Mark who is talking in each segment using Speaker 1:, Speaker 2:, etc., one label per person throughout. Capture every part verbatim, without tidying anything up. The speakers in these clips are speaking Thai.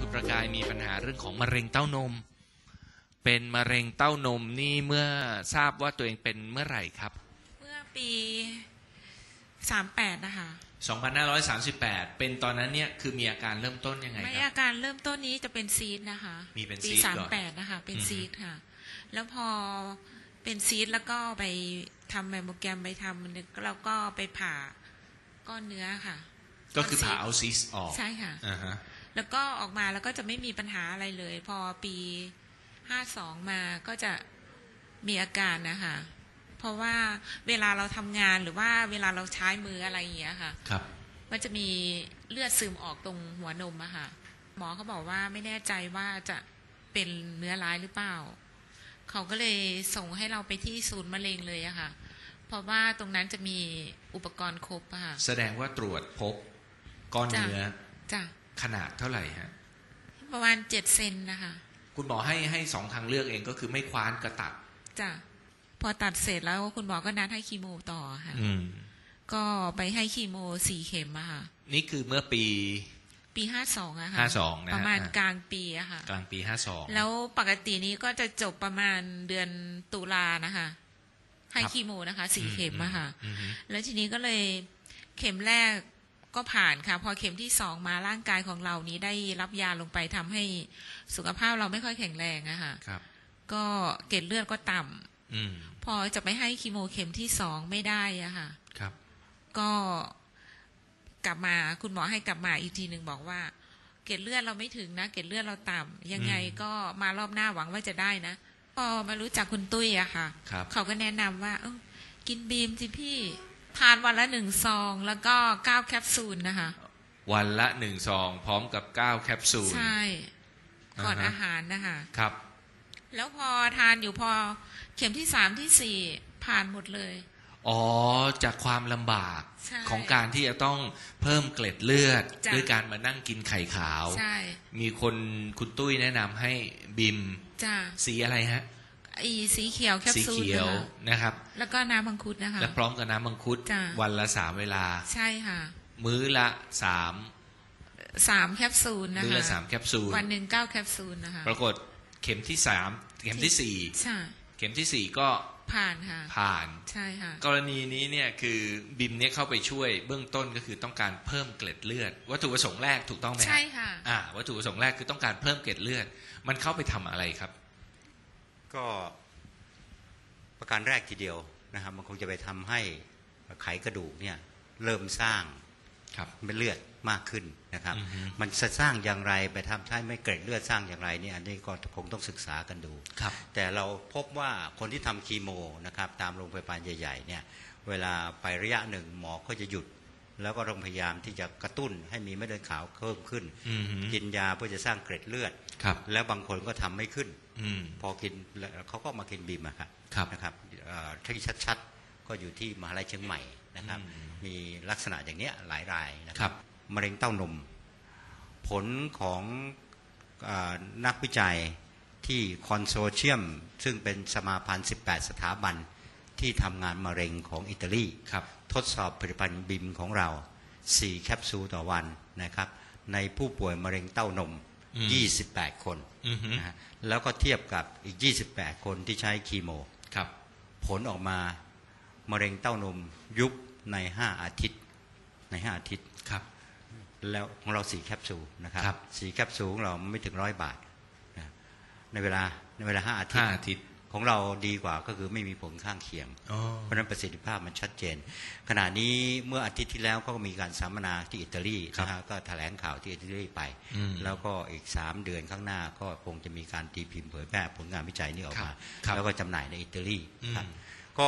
Speaker 1: ประกายมีปัญหาเรื่องของมะเร็งเต้านมเป็นมะเร็งเต้านมนี่เมื่อทราบว่าตัวเองเป็นเมื่อไหร่ครับ
Speaker 2: เมื่อปีสามแปดนะคะ
Speaker 1: สองพันห้าร้อยสามสิบแปดเป็นตอนนั้นเนี่ยคือมีอาการเริ่มต้นยังไงครับ
Speaker 2: ไม่อาการเริ่มต้นนี้จะเป็นซีดนะคะ
Speaker 1: มีเป็น
Speaker 2: ซี
Speaker 1: ด
Speaker 2: ปีสามแปดนะคะเป็นซีดค่ะแล้วพอเป็นซีดแล้วก็ไปทำแมมโมแกรมไปทำนึกแล้วก็ไปผ่าก้อนเนื้อค่ะ
Speaker 1: ก็คือผ่าเอาซีสออก
Speaker 2: ใช่ค่ะ
Speaker 1: อ่าฮะ
Speaker 2: แล้วก็ออกมาแล้วก็จะไม่มีปัญหาอะไรเลยพอปีห้าสองมาก็จะมีอาการนะคะเพราะว่าเวลาเราทำงานหรือว่าเวลาเราใช้มืออะไรอย่างเงี้ยค่ะ
Speaker 1: ครับ
Speaker 2: มันจะมีเลือดซึมออกตรงหัวนมอะค่ะหมอเขาบอกว่าไม่แน่ใจว่าจะเป็นเนื้อร้ายหรือเปล่าเขาก็เลยส่งให้เราไปที่ศูนย์มะเร็งเลยอะค่ะเพราะว่าตรงนั้นจะมีอุปกรณ์ครบอะค่ะ
Speaker 1: แสดงว่าตรวจพบก้อนเนื้อ
Speaker 2: จ้ะ
Speaker 1: ขนาดเท่าไหร่ฮะ
Speaker 2: ประมาณเจ็ดเซนนะคะ
Speaker 1: คุณหมอให้ให้สองทางเลือกเองก็คือไม่คว้านกระตัด
Speaker 2: จ้ะพอตัดเสร็จแล้วคุณหมอก็นัดให้คีโมต่อค่ะ
Speaker 1: อืม
Speaker 2: ก็ไปให้คีโมสี่เข็มอะค่ะ
Speaker 1: นี่คือเมื่อปี
Speaker 2: ปีห้าสองอะค่ะ
Speaker 1: ห้าสองนะ
Speaker 2: ประมาณกลางปีอะค่ะ
Speaker 1: กลางปีห้าสอง
Speaker 2: แล้วปกตินี้ก็จะจบประมาณเดือนตุลานะคะให้คีโมนะคะสี่เข็มอะค่ะแล้วทีนี้ก็เลยเข็มแรกก็ผ่านค่ะพอเข็มที่สองมาร่างกายของเรานี้ได้รับยาลงไปทำให้สุขภาพเราไม่ค่อยแข็งแรงอะค่ะก็เกล็ดเลือดก็ต่ำพอจะไปให้คีโมเข็มที่สองไม่ได้อะค่ะก็กลับมาคุณหมอให้กลับมาอีกทีหนึ่งบอกว่าเกล็ดเลือดเราไม่ถึงนะเกล็ดเลือดเราต่ำยังไงก็มารอบหน้าหวังว่าจะได้นะพอมารู้จักคุณตุ้ยอะค่ะเขาก็แนะนำว่าเออกินบีมสิพี่ทานวันละหนึ่งซองแล้วก็เก้าแคปซูลนะคะ
Speaker 1: วันละหนึ่งซองพร้อมกับเก้าแคปซูล
Speaker 2: ใช่ก่อนอาหารนะคะ
Speaker 1: ครับ
Speaker 2: แล้วพอทานอยู่พอเข็มที่สามที่สี่ผ่านหมดเลย
Speaker 1: อ๋อจากความลำบากของการที่จะต้องเพิ่มเกล็ดเลือดด้วยการมานั่งกินไข่ขาวมีคนคุณตุ้ยแนะนำให้บิมสีอะไรฮะ
Speaker 2: อีสีเขียวแคปซูล
Speaker 1: สีเขียวนะครับ
Speaker 2: แล้วก็น้ำมังคุดนะคะ
Speaker 1: และพร้อมกับน้ำมังคุดวันละสามเวลา
Speaker 2: ใช่ค่ะ
Speaker 1: มื้อละสาม
Speaker 2: สามแคปซูลนะคะ
Speaker 1: มื้อละสามแคปซูล
Speaker 2: วันหนึ่งเก้าแคปซูลนะคะ
Speaker 1: ปรากฏเข็มที่สามเข็มที่สี่
Speaker 2: ใช่
Speaker 1: เข็มที่สี่ก็
Speaker 2: ผ่านค่ะ
Speaker 1: ผ่าน
Speaker 2: ใช่ค่ะ
Speaker 1: กรณีนี้เนี่ยคือบิมเนี่ยเข้าไปช่วยเบื้องต้นก็คือต้องการเพิ่มเกล็ดเลือดวัตถุประสงค์แรกถูกต้องไหม
Speaker 2: ใช่ค่ะ
Speaker 1: อ่าวัตถุประสงค์แรกคือต้องการเพิ่มเกล็ดเลือดมันเข้าไปทำอะไรครับ
Speaker 3: ก็ประการแรกทีเดียวนะครับมันคงจะไปทำให้ไขกระดูกเนี่ยเริ่มสร้างเป็นเลือดมากขึ้นนะครับมันจะสร้างอย่างไรไปทำให้ไม่เกล็ดเลือดสร้างอย่างไรเนี่ยอันนี้ก็คงต้องศึกษากันดูแต่เราพบว่าคนที่ทำคีโมนะครับตามโรงพยาบาลใหญ่ๆเนี่ยเวลาไประยะหนึ่งหมอก็จะหยุดแล้วก็ต้องพยายามที่จะกระตุ้นให้มีเม็ดเลือดขาวเพิ่มขึ้นกินยาเพื่อจะสร้างเกล็ดเลือดแล้วบางคนก็ทำไม่ขึ้นพอกินเขาก็มากินบีมนะครับนะครับที่ชัดๆก็อยู่ที่มหาลัยเชียงใหม่นะครับมีลักษณะอย่างนี้หลายรายนะครับมะเร็งเต้านมผลของนักวิจัยที่คอนโซเชียมซึ่งเป็นสมาพันธ์สิบแปดสถาบันที่ทำงานมะเร็งของอิตาลีทดสอบผลิตภัณฑ์บิมของเราสี่แคปซูลต่อวันนะครับในผู้ป่วยมะเร็งเต้านมยี่สิบแปดคนนะฮะแล้วก็เทียบกับอีกยี่สิบแปดคนที่ใช้คีโมผลออกมามะเร็งเต้านมยุบในห้าอาทิตย์ในห้าอาทิตย์
Speaker 1: ครับ
Speaker 3: แล้วของเราสี่แคปซูลนะครับสี่แคปซูลของเราไม่ถึงร้อยบาทนะในเวลาในเวลาห้าอาทิตย์
Speaker 1: อาทิตย์
Speaker 3: ของเราดีกว่าก็คือไม่มีผลข้างเคียงเพราะนั้นประสิทธิภาพมันชัดเจนขณะนี้เมื่ออาทิตย์ที่แล้วก็มีการสัมมนาที่อิตาลีนะฮะก็แถลงข่าวที่อิตาลีไปแล้วก็อีกสามเดือนข้างหน้าก็คงจะมีการตีพิมพ์เผยแพร่ผลงานวิจัยนี้ออกมาแล้วก็จำหน่ายในอิตาลีครับก็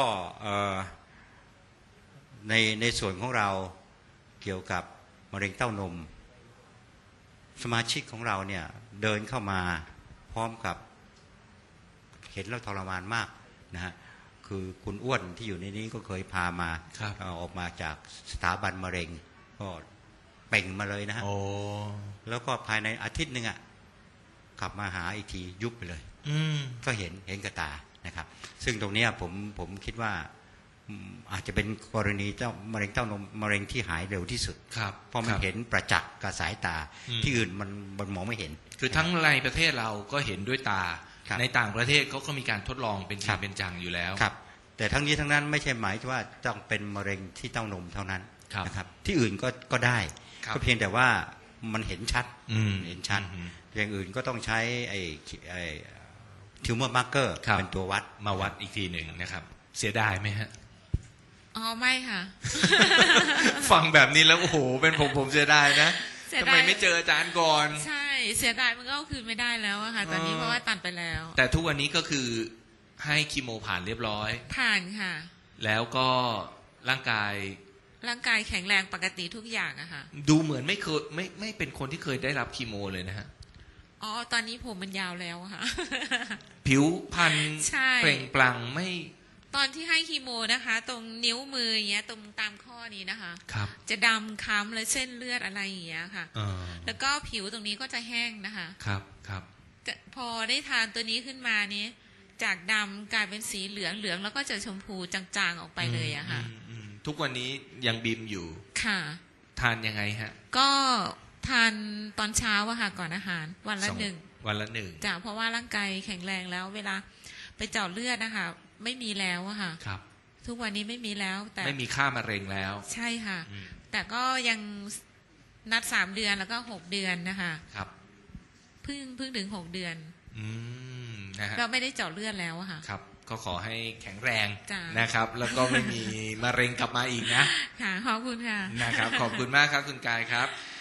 Speaker 3: ในในส่วนของเราเกี่ยวกับมะเร็งเต้านมสมาชิกของเราเนี่ยเดินเข้ามาพร้อมกับเห็นแล้วทรมานมากนะฮะคือคุณอ้วนที่อยู่ในนี้ก็เคยพามาออกมาจากสถาบันมะเร็งก็เป่งมาเลยนะฮะแล้วก็ภายในอาทิตย์หนึ่งอ่ะกลับมาหาอีกทียุบไปเลยก็เห็นเห็นกระตานะครับซึ่งตรงนี้ผมผมคิดว่าอาจจะเป็นกรณีเจ้ามะเร็งเต้านมมะเร็งที่หายเร็วที่สุด
Speaker 1: ครับ
Speaker 3: เพราะมันเห็นประจักษ์กับสายตาที่อื่นมันมันมองไม่เห็น
Speaker 1: คือทั้งในประเทศเราก็เห็นด้วยตาในต่างประเทศเขาก็มีการทดลองเป็นจริงเป็นจังอยู่แล้ว
Speaker 3: ครับแต่ทั้งนี้ทั้งนั้นไม่ใช่หมายว่าต้องเป็นมะเร็งที่เต้านมเท่านั้นนะครับที่อื่นก็ก็ได้ก็เพียงแต่ว่ามันเห็นชัดเห็นชัดอย่างอื่นก็ต้องใช้ไอ้ไอ้ทิวเมอร์มาร์เกอร์เป็นตัววัด
Speaker 1: มาวัดอีกทีหนึ่งนะครับเสียดายไหมฮะ
Speaker 2: อ๋อไม่ค่ะ
Speaker 1: ฟังแบบนี้แล้วโอ้โหเป็นผมผมเสียดายนะทำไมไม่เจออาจารย์ก่อน
Speaker 2: ใช่เสียดายมันก็คือไม่ได้แล้วอะค่ะตอนนี้เพราะว่าตัดไปแล้ว
Speaker 1: แต่ทุกวันนี้ก็คือให้คีโมผ่านเรียบร้อย
Speaker 2: ผ่านค่ะ
Speaker 1: แล้วก็ร่างกาย
Speaker 2: ร่างกายแข็งแรงปกติทุกอย่างอะค่ะ
Speaker 1: ดูเหมือนไม่เคยไม่ไม่เป็นคนที่เคยได้รับคีโมเลยนะฮะ
Speaker 2: อ๋อตอนนี้ผมมันยาวแล้วค่ะ
Speaker 1: ผิวพรรณเปล่งปลั่งไม่
Speaker 2: ตอนที่ให้คีโมนะคะตรงนิ้วมืออย่างเงี้ยตรงตามข้อนี้นะคะ
Speaker 1: ครับ
Speaker 2: จะดำค้ำและเส้นเลือดอะไรอย่างเงี้ยค่ะแล้วก็ผิวตรงนี้ก็จะแห้งนะคะ
Speaker 1: ครับครับ
Speaker 2: พอได้ทานตัวนี้ขึ้นมานี้จากดำกลายเป็นสีเหลืองเหลืองแล้วก็จะชมพูจางๆออกไปเลยอะค่ะ
Speaker 1: ทุกวันนี้ยังบีมอยู่
Speaker 2: ค่ะ
Speaker 1: ทานยังไงฮะ
Speaker 2: ก็ทานตอนเช้าอะค่ะก่อนอาหารวันละหนึ่ง
Speaker 1: วันละหนึ่ง
Speaker 2: จ้ะเพราะว่าร่างกายแข็งแรงแล้วเวลาไปเจาะเลือดนะคะไม่มีแล้วอะค่ะ
Speaker 1: ครับ
Speaker 2: ทุกวันนี้ไม่มีแล้ว
Speaker 1: แต่ไม่มีค่ามะเร็งแล้ว
Speaker 2: ใช่ค่ะแต่ก็ยังนัดสามเดือนแล้วก็หกเดือนนะคะ
Speaker 1: ครับ
Speaker 2: เพิ่งเพิ่งถึงหกเดือน
Speaker 1: อืมนะฮะ
Speaker 2: ก็ไม่ได้เจาะเลือดแล้วอะค่ะ
Speaker 1: ครับก็ขอให้แข็งแรงนะครับแล้วก็ไม่มีมะเร็งกลับมาอีกนะ
Speaker 2: ค่ะขอบคุณค่ะ
Speaker 1: นะครับขอบคุณมากครับคุณกายครับ